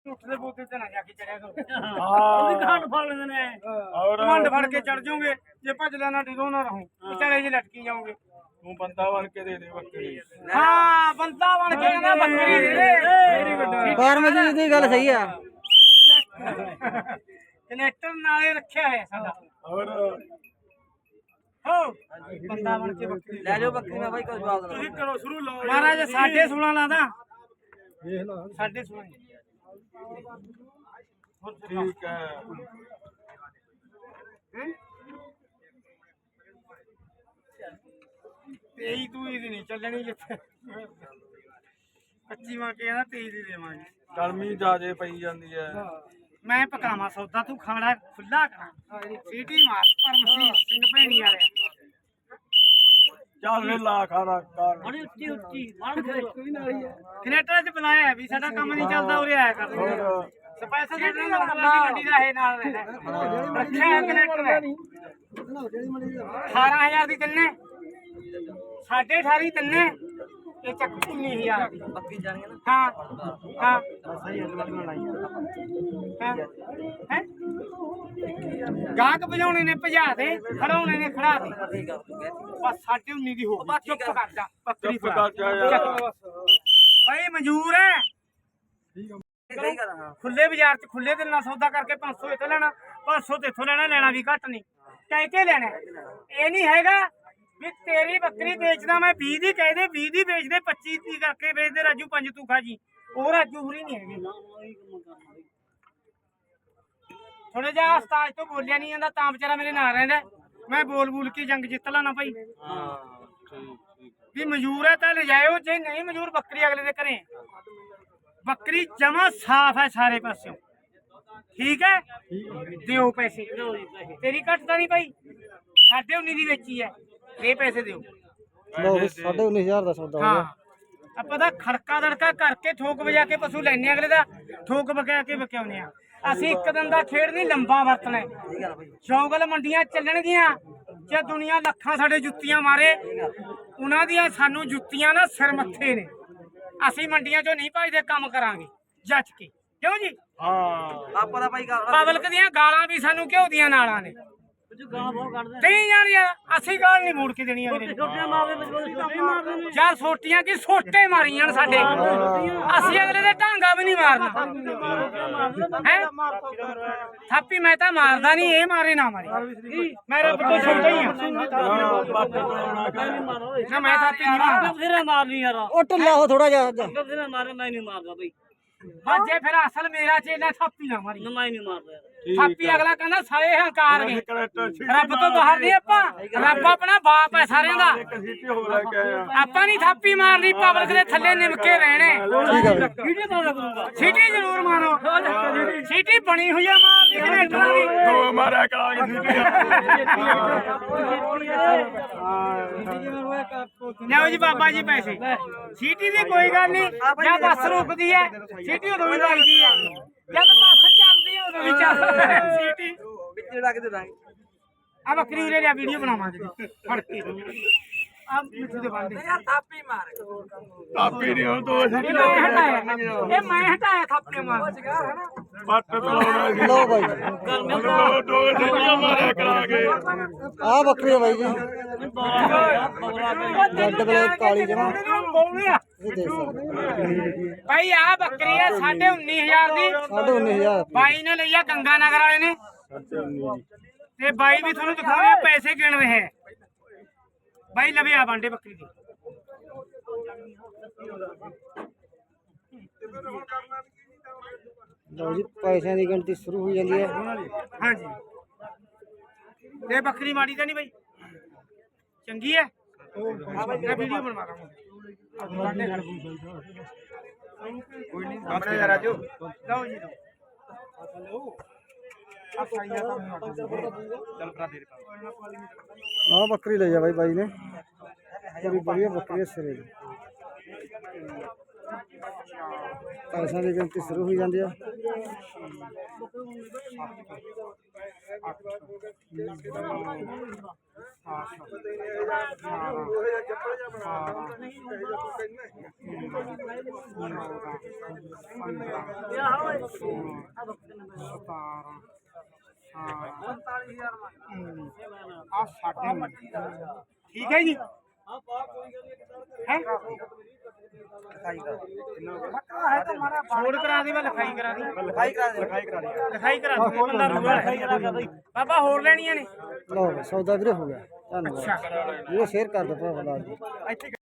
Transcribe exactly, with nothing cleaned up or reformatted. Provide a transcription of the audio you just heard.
ਉੱਠਦੇ ਬੋਤੇ ਤੇ ਨਾ ਜਾ ਕੇ ਚੜਿਆ ਕਰੋ। ਹਾਂ ਉਹਦੀ ਖੰਡ ਫੜ ਲੈਂਦੇ ਨੇ ਔਰ ਮੰਡ ਫੜ ਕੇ ਚੜ ਜਾਓਗੇ ਜੇ ਭੱਜ ਲੈਣਾ ਡਿਗੋ ਨਾ ਰਹੋ ਵਿਚਾਲੇ ਜੇ ਲਟਕੀ ਜਾਓਗੇ। ਤੂੰ ਬੰਦਾ ਬਣ ਕੇ ਦੇ ਦੇ ਬੱਕਰੀ। ਹਾਂ ਬੰਦਾ ਬਣ ਕੇ ਕਹਿੰਦਾ ਬੱਕਰੀ ਦੇ ਦੇ। ਫਾਰਮੇਸੀ ਦੀ ਗੱਲ ਸਹੀ ਆ। ਕਨੈਕਟਰ ਨਾਲੇ ਰੱਖਿਆ ਹੈ ਸਾਡਾ। ਔਰ ਹੋ ਬੰਦਾ ਬਣ ਕੇ ਬੱਕਰੀ ਲੈ ਜਾਓ ਬੱਕਰੀ ਮੈਂ ਬਾਈ ਕੋਈ ਜਵਾਬ ਦੇਣਾ। ਤੁਸੀਂ ਕਰੋ ਸ਼ੁਰੂ ਲਾਓ ਮਹਾਰਾਜ ਸਾਢੇ ਸੋਲਾਂ ਲਾਦਾ ਸਾਢੇ ਸੋਲਾਂ ਠੀਕ ਹੈ। ਤੇਈ ਤੂੰ ਇਹਦੀ ਨਹੀਂ ਚੱਲਣੀ ਜਿੱਥੇ ਪੱਚੀ ਮਾਂ ਕੇ ਕਹਿੰਦਾ ਤੇਈ ਦੀ ਦੇਵਾਂਗੇ। ਗਰਮੀ ਜ਼ਿਆਦੇ ਪਈ ਜਾਂਦੀ ਹੈ। ਮੈਂ ਪਕਾਵਾਂ ਸੌਦਾ ਤੂੰ ਖਾਣਾ ਖੁੱਲਾ ਕਰਾਂ ਸੀਟੀ ਮਾਰ ਪਰਮਸੀਤ ਸਿੰਘ ਭੈਣੀ ਵਾਲੇ ਚੱਲ ਵੇ ਲਾ ਖਾਣਾ ਕਰ ਬੜੀ ਉੱਚੀ ਉੱਚੀ ਬਣ ਕੇ ਕਨੇਟਰ ਚ ਬੁਲਾਇਆ ਵੀ ਸਾਡਾ ਕੰਮ ਨਹੀਂ ਚੱਲਦਾ ਉਰੇ ਆਇਆ ਕਰ ਹੋਰ ਸਪੈਸ਼ਲ ਜਿਹੜੀ ਗੱਡੀ ਦਾ ਇਹ ਨਾਲ ਰਹਿੰਦਾ ਰੱਖਿਆ ਕਨੇਟਰ ਨੇ ਅਠਾਰਾਂ ਹਜ਼ਾਰ ਦੀ ਤਿੰਨੇ ਸਾਢੇ ਅਠਾਰੀ ਤਿੰਨੇ ਇਹ ਚੱਕ ਉੱਨੀ ਹਜ਼ਾਰ ਦੀ ਬੱਕਰੀ ਜਾਣੀ ਹੈ ਨਾ। ਹਾਂ ਹਾਂ ਸਹੀ ਹੈ ਹੈ ਗਾਹਕ ਭਜਾਉਣੇ ਨੇ ਭਜਾ ਦੇ ਖੜਾਉਣੇ ਨੇ ਖੜਾ ਦੇ ਠੀਕ ਆ ਬਸ ਸਾਢੇ ਉੱਨੀ ਦੀ ਹੋ ਗਈ ਚੁੱਪ ਕਰ ਜਾ ਬੱਕਰੀ ਚੁੱਪ ਕਰ ਜਾ ਯਾਰ। ਭਾਈ ਮਨਜ਼ੂਰ ਹੈ ਸਹੀ ਕਰ ਹਾਂ। ਖੁੱਲੇ ਬਾਜ਼ਾਰ ਚ ਖੁੱਲੇ ਦਿਲ ਨਾਲ ਸੌਦਾ ਕਰਕੇ ਪੰਜ ਸੌ ਇੱਥੋਂ ਲੈਣਾ ਪੰਜ ਸੌ ਤੇ ਇੱਥੋਂ ਲੈਣਾ ਲੈਣਾ ਵੀ ਘੱਟ ਨਹੀਂ ਕਹਿ ਕੇ ਲੈਣਾ ਇਹ ਨਹੀਂ ਹੈਗਾ ਵੀ ਤੇਰੀ ਬੱਕਰੀ ਵੇਚਦਾ ਮੈਂ ਵੀਹ ਦੀ ਕਹਦੇ ਵੀਹ ਦੀ ਵੇਚਦੇ ਪੱਚੀ ਦੀ ਕਰਕੇ ਵੇਚਦੇ ਰਾਜੂ ਪੰਜ ਤੂੰ ਖਾ ਜੀ ਉਹ ਰਾਜੂ ਹੁਰੀ ਨਹੀਂ ਹੈਗੇ ਥੋੜੇ ਜਿਹਾ ਉਸਤਾਦ ਤੋਂ ਬੋਲਿਆ ਨਹੀਂ ਜਾਂਦਾ ਤਾਂ ਵਿਚਾਰਾ ਮੇਰੇ ਨਾਲ ਰਹਿੰਦਾ ਮੈਂ ਬੋਲ ਬੋਲ ਕੇ ਜੰਗ ਜਿੱਤ ਲਾਣਾ ਭਾਈ ਹਾਂ ਠੀਕ ਠੀਕ ਵੀ ਮਨਜ਼ੂਰ ਹੈ ਤਾਂ ਲਿਜਾਇਓ ਜੇ ਨਹੀਂ ਮਨਜ਼ੂਰ ਬੱਕਰੀ ਅਗਲੇ ਦੇ ਘਰੇ ਬੱਕਰੀ ਜਮਾ ਸਾਫ ਹੈ ਸਾਰੇ ਪਾਸਿਓਂ ਠੀਕ ਹੈ ਦਿਓ ਪੈਸੇ ਤੇਰੀ ਘੱਟ ਤਾਂ ਨਹੀਂ ਭਾਈ ਸਾਢੇ ਉੱਨੀ ਦੀ ਵੇਚੀ ਹੈ ਇਹ ਪੈਸੇ ਦਿਓ ਲਓ ਸਾਢੇ ਉੱਨੀ ਹਜ਼ਾਰ ਦਾ ਸੌਦਾ ਹੋ ਹਾਂ ਗਿਆ। ਆਪਾਂ ਤਾਂ ਖੜਕਾ ਦੜਕਾ ਕਰਕੇ ਠੋਕ ਵਜਾ ਕੇ ਪਸ਼ੂ ਲੈਣੇ ਅਗਲੇ ਦਾ ਠੋਕ ਵਗਾ ਕੇ ਵਿਕਾਉਂਦੇ ਆ ਅਸੀਂ ਇੱਕ ਦਿਨ ਦਾ ਖੇਡ ਨਹੀਂ ਲੰਬਾ ਵਰਤਣਾ ਠੀਕ ਆ ਬਾਈ। ਚੌਗਲ ਮੰਡੀਆਂ ਚੱਲਣਗੀਆਂ ਜੇ ਦੁਨੀਆ ਲੱਖਾਂ ਸਾਡੇ ਜੁੱਤੀਆਂ ਮਾਰੇ ਉਹਨਾਂ ਦੀਆਂ ਸਾਨੂੰ ਜੁੱਤੀਆਂ ਨਾ ਸਿਰ ਮੱਥੇ ਨੇ ਅਸੀਂ ਮੰਡੀਆਂ ਚੋਂ ਨਹੀਂ ਭਜਦੇ ਕੰਮ ਕਰਾਂਗੇ ਜੱਜ ਕੇ ਕਿਉਂ ਜੀ ਹਾਂ ਆਪਾਂ ਦਾ ਬਾਈ ਕਰ ਪਬਲਿਕ ਦੀਆਂ ਗਾਲਾਂ ਵੀ ਸਾਨੂੰ ਘਿਓ ਦੀਆਂ ਨਾਲਾਂ ਨੇ ਗਾਲਾਂ ਬਹੁਤ ਕੱਢਦੇ ਨਹੀਂ ਜਾਣੀ ਅਸੀਂ ਗਾਲ ਨਹੀਂ ਮੋੜ ਕੇ ਦੇਣੀ ਅਗਲੇ ਨੂੰ ਛੋਟੀਆਂ ਮਾਰਦੇ ਵਿੱਚ ਛੋਟੇ ਮਾਰਦੇ ਨੇ ਯਾਰ ਸੋਟੀਆਂ ਕੀ ਸੋਟੇ ਮਾਰੀ ਜਾਣ ਸਾਡੇ ਅਸੀਂ ਅਗਲੇ ਦੇ ਢਾਂਗਾ ਵੀ ਨਹੀਂ ਮਾਰਨਾ ਹੈ ਥਾਪੀ ਮੈਂ ਤਾਂ ਮਾਰਦਾ ਨਹੀਂ ਇਹ ਮਾਰੇ ਨਾ ਮਾਰੇ ਮੈਂ ਰੱਬ ਤੋਂ ਛੋਟਾ ਹੀ ਆ ਬੱਟ ਬਣਾਉਣਾ ਕਰ ਨਾ ਮੈਂ ਥਾਪੀ ਨਹੀਂ ਮਾਰਦਾ ਬਥੇਰਾ ਮਾਰਨੀ ਯਾਰ ਉਹ ਢਿੱਲਾ ਹੋ ਥੋੜਾ ਜਿਹਾ ਬਥੇਰਾ ਮਾਰੇ ਮੈਂ ਨਹੀਂ ਮਾਰਦਾ ਬਈ ਬਾਜੇ ਫਿਰ ਅਸਲ ਮੇਰਾ ਚੇਲਾ ਥਾਪੀ ਨਾ ਮਾਰੀ ਮੈਂ ਨਹੀਂ ਮਾਰਦਾ ਯਾਰ ਥਾਪੀ ਅਗਲਾ ਕਹਿੰਦਾ ਸਾਰੇ ਹੰਕਾਰ ਗਏ ਕਨੈਕਟਰ ਠੀਕ ਰੱਬ ਤੋਂ ਬਾਹਰ ਨਹੀਂ ਆਪਾਂ ਰੱਬ ਆਪਣਾ ਬਾਪ ਹੈ ਸਾਰਿਆਂ ਦਾ ਇੱਕ ਸੀਟੀ ਹੋ ਲੈ ਕੇ ਆਇਆ ਆਪਾਂ ਨਹੀਂ ਥਾਪੀ ਮਾਰਨੀ ਪਬਲਿਕ ਦੇ ਥੱਲੇ ਨਿਮਕੇ ਰਹਿਣੇ ਠੀਕ ਆ ਬਾਈ। ਵੀਡੀਓ ਮਾਰਿਆ ਕਰੂੰਗਾ ਸੀਟੀ ਜ਼ਰੂਰ ਮਾਰੋ ਸੀਟੀ ਬਣੀ ਹੋਈ ਆ ਮਾਰਨੀ ਕਨੇਟਰਾਂ ਦੀ ਦੋ ਮਾਰਿਆ ਕਰਾਂਗੇ ਸੀਟੀ ਲਿਆਓ ਜੀ ਬਾਬਾ ਜੀ ਪੈਸੇ ਸੀਟੀ ਦੀ ਕੋਈ ਗੱਲ ਨਹੀਂ ਜਾਂ ਬੱਸ ਰੁਕਦੀ ਹੈ ਸੀਟੀ ਉਦੋਂ ਵੀ ਵੱਜਦੀ ਹੈ ਜਦ ਬੱਸ ਚੱਲਦੀ ਹੈ ਉਦੋਂ ਵੀ ਚੱਲਦੀ ਸੀਟੀ ਵਿੱਚ ਲੱਗ ਦੇ ਦਾਂਗੇ। ਆ ਬੱਕਰੀ ਉਰੇ ਲਿਆ ਵੀਡੀਓ ਬਣਾਵਾਂਗੇ ਫੜ ਕੇ ਆ ਮਿੱਠੂ ਦੇ ਬੰਦੇ ਥਾਪੀ ਮਾਰ ਕਾਪੀ ਨਹੀਂ ਹੋ ਦੋ ਇਹ ਮੈਂ ਹਟਾਇਆ ਇਹ ਮੈਂ ਹਟਾਇਆ ਥਾਪੇ ਮਾਰ ਬੱਟ ਬਣਾਉਣਾ ਸੀ ਲਓ ਬਾਈ ਦੋ ਦੋ ਸੀਟੀਆਂ ਮਾਰਿਆ ਕਰਾਂਗੇ ਆਹ ਬੱਕਰੀ ਆ ਬਾਈ ਜੀ ਰੈੱਡ ਬਲੈਕ ਕਾਲੀ ਜਮਾ ਬੋਲਿਆ ਇਹ ਦੇਖ ਸਕਦੇ ਭਾਈ ਆ ਬੱਕਰੀ ਹੈ ਸਾਢੇ ਉੱਨੀ ਹਜ਼ਾਰ ਦੀ ਸਾਢੇ ਉੱਨੀ ਹਜ਼ਾਰ ਬਾਈ ਨੇ ਲਈ ਆ ਗੰਗਾ ਨਗਰ ਵਾਲੇ ਨੇ ਤੇ ਬਾਈ ਵੀ ਤੁਹਾਨੂੰ ਦਿਖਾਉਣੇ ਪੈਸੇ ਗਿਣ ਰਹੇ ਹੈ ਬਾਈ ਲਵੇ ਆ ਬਾਂਡੇ ਬੱਕਰੀ ਦੀ ਲਓ ਜੀ ਪੈਸਿਆਂ ਦੀ ਗਿਣਤੀ ਸ਼ੁਰੂ ਹੋ ਜਾਂਦੀ ਹੈ। ਹਾਂਜੀ ਇਹ ਬੱਕਰੀ ਮਾੜੀ ਤਾਂ ਨਹੀਂ ਬਾਈ ਚੰਗੀ ਹੈ ਮੈਂ ਵੀਡੀਓ ਬਣਵਾ ਰਹਾ ਬਾਂਡੇ ਖੜ ਕੋਈ ਨਹੀਂ ਸਾਹਮਣੇ ਯਾਰ ਆਜੋ ਲਓ ਜੀ ਲਓ ਆ ਸਾਈਆ ਤਾਂ ਚੱਲ ਭਰਾ ਦੇ ਆਹ ਬੱਕਰੀ ਲੈ ਜਾ ਬਾਈ ਬਾਈ ਨੇ ਬੜੀ ਵਧੀਆ ਬੱਕਰੀ ਹੈ ਸਿਰੇ ਦੀ। ਪੈਸਿਆਂ ਦੀ ਗਿਣਤੀ ਸ਼ੁਰੂ ਹੋਈ ਜਾਂਦੀ ਆ ਠੀਕ ਹੈ ਜੀ ਹੈ ਛੋੜ ਕਰਾ ਦੇ ਮੈਂ ਲਿਖਾਈ ਕਰਾ ਦੀ ਲਿਖਾਈ ਕਰਾ ਦੇ ਲਿਖਾਈ ਕਰਾ ਦੇ ਲਿਖਾਈ ਕਰਾ ਦੇ ਬੰਦਾ ਰੂਗਾ ਬਾਬਾ ਹੋਰ ਲੈਣੀਆਂ ਨੇ ਲਓ ਸੌਦਾ ਵੀਰੇ ਹੋ ਗਿਆ ਧੰਨਵਾਦ ਵੀਰੇ ਸ਼ੇਅਰ ਕਰ ਦਿਓ ਭਰਾ ਜੀ